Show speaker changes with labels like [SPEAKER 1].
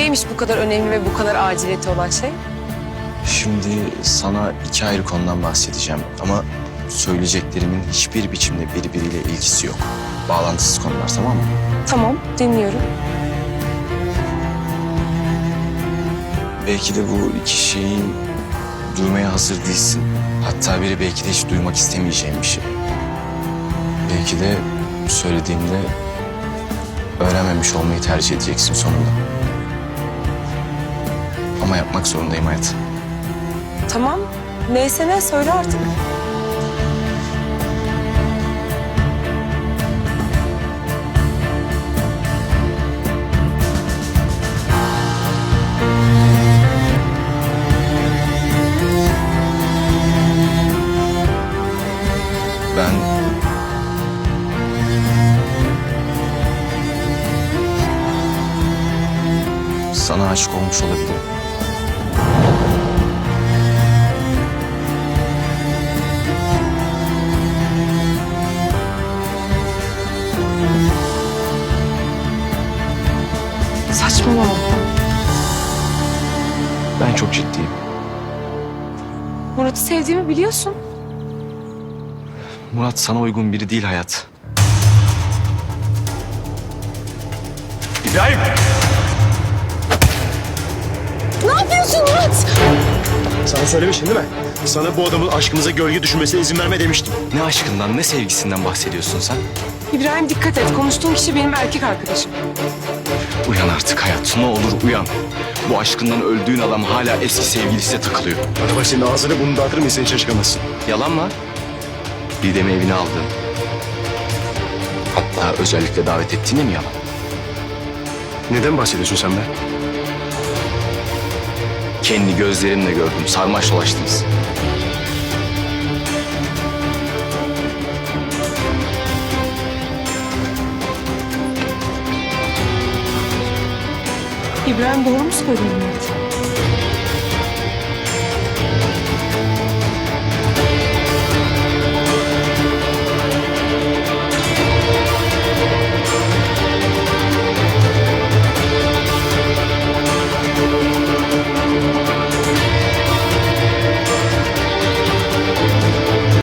[SPEAKER 1] Neymiş bu kadar önemli ve bu kadar aciliyeti olan şey?
[SPEAKER 2] Şimdi sana iki ayrı konudan bahsedeceğim ama söyleyeceklerimin hiçbir biçimde birbiriyle ilgisi yok. Bağlantısız konular, tamam mı?
[SPEAKER 1] Tamam, dinliyorum.
[SPEAKER 2] Belki de bu iki şeyin duymaya hazır değilsin. Hatta biri belki de hiç duymak istemeyeceğim bir şey. Belki de söylediğimde öğrenmemiş olmayı tercih edeceksin sonunda. Ama yapmak zorundayım hayat.
[SPEAKER 1] Tamam, neyse ne söyle artık.
[SPEAKER 2] Ben sana aşık olmuş olabilirim.
[SPEAKER 1] Saçmalama.
[SPEAKER 2] Ben çok ciddiyim.
[SPEAKER 1] Murat'ı sevdiğimi biliyorsun.
[SPEAKER 2] Murat sana uygun biri değil hayat. İbrahim!
[SPEAKER 1] Ne yapıyorsun Murat?
[SPEAKER 3] Sana söylemiştim değil mi? Sana bu adamın aşkımıza gölge düşmesine izin verme demiştim.
[SPEAKER 2] Ne aşkından ne sevgisinden bahsediyorsun sen?
[SPEAKER 1] İbrahim dikkat et. Konuştuğum kişi benim erkek arkadaşım.
[SPEAKER 2] Uyan artık hayat, ne olur uyan. Bu aşkından öldüğün adam hala eski sevgilisiyle takılıyor.
[SPEAKER 3] Bana bak, senin ağzını bunu dağıtırım, sen şaşkamazsın.
[SPEAKER 2] Yalan mı? Didem'i evine aldın. Hatta özellikle davet ettiğine mi yalan?
[SPEAKER 3] Neden bahsediyorsun sen be?
[SPEAKER 2] Kendi gözlerimle gördüm, sarmaş dolaştınız.
[SPEAKER 1] İbrahim doğru mu söylüyor Murat?